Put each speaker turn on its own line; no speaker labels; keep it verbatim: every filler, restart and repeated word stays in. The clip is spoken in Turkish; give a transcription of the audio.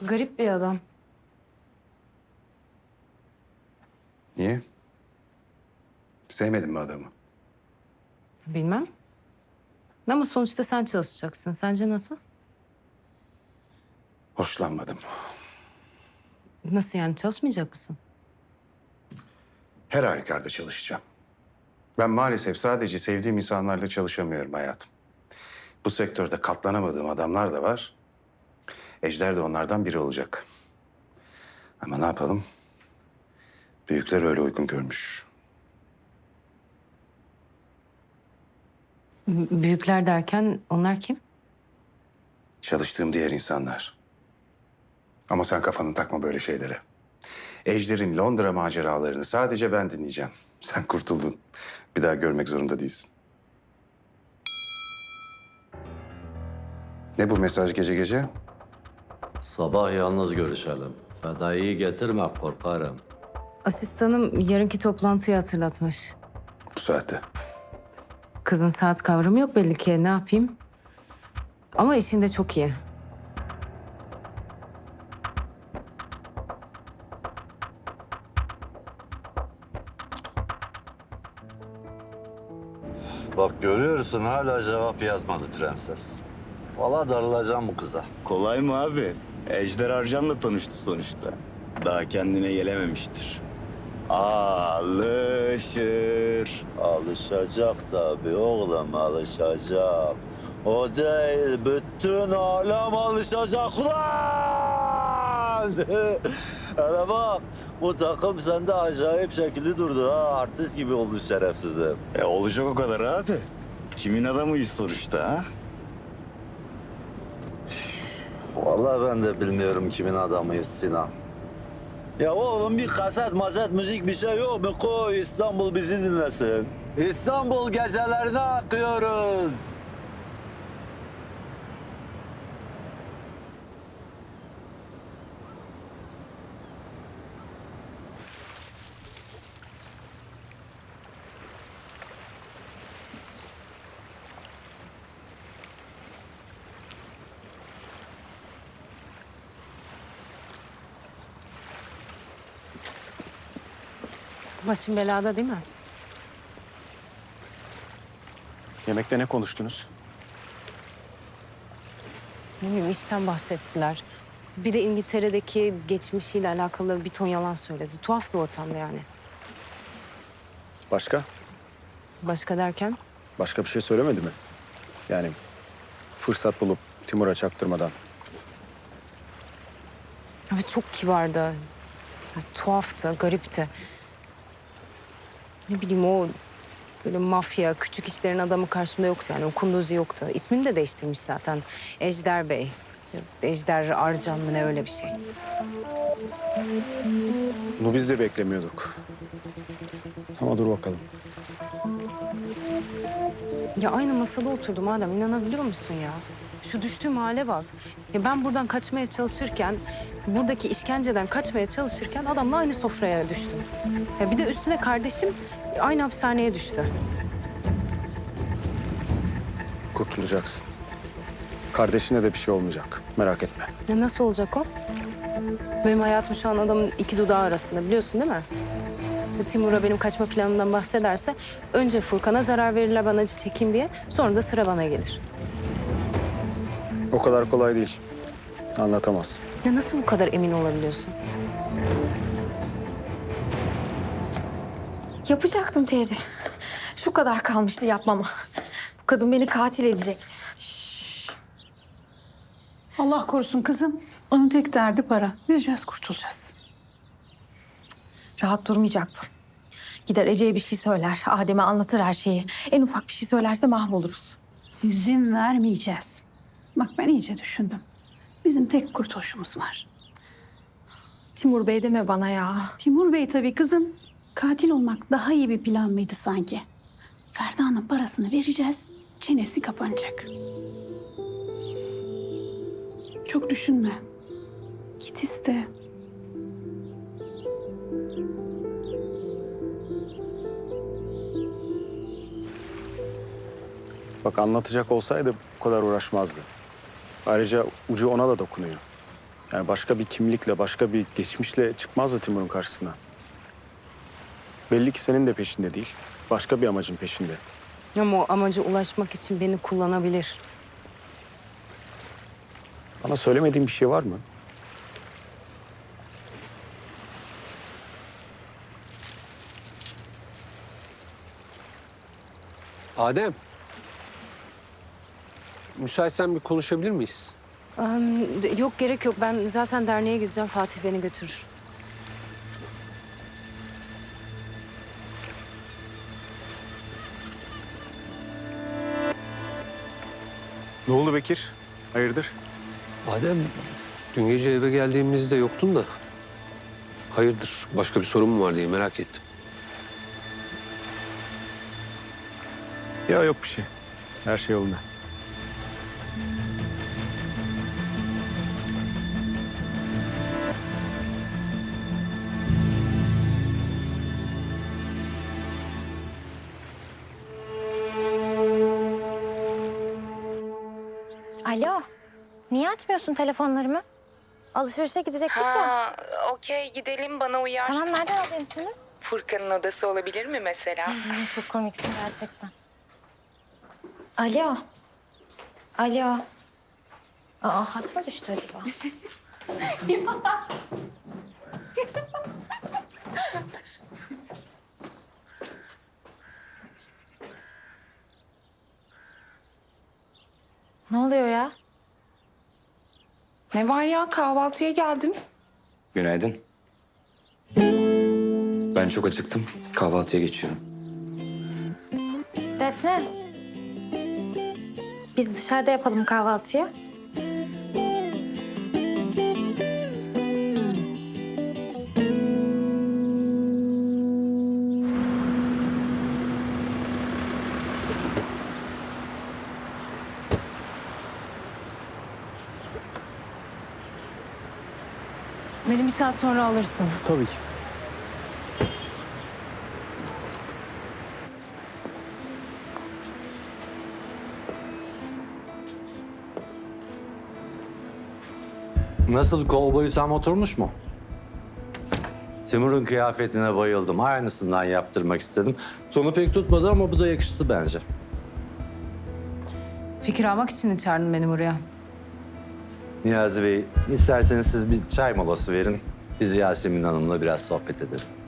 Garip bir adam.
Niye? Sevmedin mi adamı?
Bilmem. Ama sonuçta sen çalışacaksın. Sence nasıl?
Hoşlanmadım.
Nasıl yani, çalışmayacak mısın?
Her halükarda çalışacağım. Ben maalesef sadece sevdiğim insanlarla çalışamıyorum hayatım. Bu sektörde katlanamadığım adamlar da var. Ejder de onlardan biri olacak. Ama ne yapalım? Büyükler öyle uygun görmüş.
B- Büyükler derken onlar kim?
Çalıştığım diğer insanlar. Ama sen kafanı takma böyle şeylere. Ejder'in Londra maceralarını sadece ben dinleyeceğim. Sen kurtuldun. Bir daha görmek zorunda değilsin. Ne bu mesaj gece gece?
Sabah yalnız görüşelim. Fedai'yi getirme, korkarım.
Asistanım yarınki toplantıyı hatırlatmış.
Bu saatte.
Kızın saat kavramı yok belli ki. Ne yapayım? Ama işinde çok iyi.
Bak görüyorsun hala cevap yazmadı prenses. Valla darılacağım bu kıza.
Kolay mı abi? Ejder Arcan'la tanıştı sonuçta. Daha kendine gelememiştir. Alışır.
Alışacak tabii oğlum, alışacak. O değil, bütün alem alışacak lan! Hele bak, bu takım sende acayip şekilli durdu ha. Artist gibi oldu şerefsizim.
E olacak o kadar abi. Kimin adamıyız sonuçta ha?
Vallahi ben de bilmiyorum kimin adamıyız Sinan. Ya oğlum bir kaset mazet müzik bir şey yok mu? Koy İstanbul bizi dinlesin. İstanbul gecelerine akıyoruz.
Başın belada değil mi?
Yemekte ne konuştunuz?
Ne bileyim, işten bahsettiler. Bir de İngiltere'deki geçmişiyle alakalı bir ton yalan söyledi. Tuhaf bir ortamda yani.
Başka?
Başka derken?
Başka bir şey söylemedi mi? Yani fırsat bulup Timur'a çaktırmadan.
Evet, çok kibardı. Ya, tuhaftı, garipti. Ne bileyim, o böyle mafya, küçük işlerin adamı karşımda yoktu yani. O kunduzi yoktu. İsmini de değiştirmiş zaten. Ejder Bey. Ya, Ejder Arcan mı ne, öyle bir şey.
Bunu biz de beklemiyorduk. Ama dur bakalım.
Ya aynı masada oturdum adam, inanabiliyor musun ya? Şu düştüğüm hale bak. Ya ben buradan kaçmaya çalışırken, buradaki işkenceden kaçmaya çalışırken adamla aynı sofraya düştüm. Ya bir de üstüne kardeşim aynı hapishaneye düştü.
Kurtulacaksın. Kardeşine de bir şey olmayacak. Merak etme.
Ya nasıl olacak o? Benim hayatım şu an adamın iki dudağı arasında, biliyorsun değil mi? Ya Timur'a benim kaçma planımdan bahsederse önce Furkan'a zarar verirler ben acı çekeyim diye, sonra da sıra bana gelir.
O kadar kolay değil. Anlatamaz.
Ya nasıl bu kadar emin olabiliyorsun?
Yapacaktım teyze. Şu kadar kalmıştı yapmama. Bu kadın beni katil edecekti.
Allah korusun kızım. Onun tek derdi para. Vereceğiz, kurtulacağız.
Rahat durmayacaktım. Gider Ece'ye bir şey söyler. Adem'e anlatır her şeyi. En ufak bir şey söylerse mahvoluruz.
İzin vermeyeceğiz. Bak ben iyice düşündüm. Bizim tek kurtuluşumuz var.
Timur Bey deme bana ya.
Timur Bey tabii kızım. Katil olmak daha iyi bir plan mıydı sanki? Ferda'nın parasını vereceğiz. Çenesi kapanacak. Çok düşünme. Git iste.
Bak anlatacak olsaydı bu kadar uğraşmazdı. Ayrıca ucu ona da dokunuyor. Yani başka bir kimlikle, başka bir geçmişle çıkmazdı Timur'un karşısına. Belli ki senin de peşinde değil. Başka bir amacın peşinde.
Ama o amaca ulaşmak için beni kullanabilir.
Bana söylemediğin bir şey var mı?
Adem. Müsaitsen bir konuşabilir miyiz?
Am, de- yok gerek yok. Ben zaten derneğe gideceğim. Fatih beni götürür.
Ne oldu Bekir? Hayırdır?
Adem, dün gece eve geldiğimizde yoktun da. Hayırdır, başka bir sorun mu var diye merak ettim.
Ya yok bir şey. Her şey yolunda.
Alo. Niye açmıyorsun telefonlarımı? Alışverişe gidecektik ya.
Ha, okey gidelim bana uyar.
Tamam, nereden alayım seni?
Furkan'ın odası olabilir mi mesela?
Ay, çok komiksin gerçekten. Alo. Alo. Aa, hat mı düştü acaba? Ne oluyor ya?
Ne var ya, kahvaltıya geldim.
Günaydın. Ben çok acıktım. Kahvaltıya geçiyorum.
Defne. Biz dışarıda yapalım kahvaltıyı.
Beni bir saat sonra alırsın.
Tabii ki.
Nasıl, kol boyu tam oturmuş mu? Timur'un kıyafetine bayıldım. Aynısından yaptırmak istedim. Sonu pek tutmadı ama bu da yakıştı bence.
Fikir almak için mi çağırdın beni buraya?
Niyazi Bey, isterseniz siz bir çay molası verin. Biz Yasemin Hanım'la biraz sohbet edelim.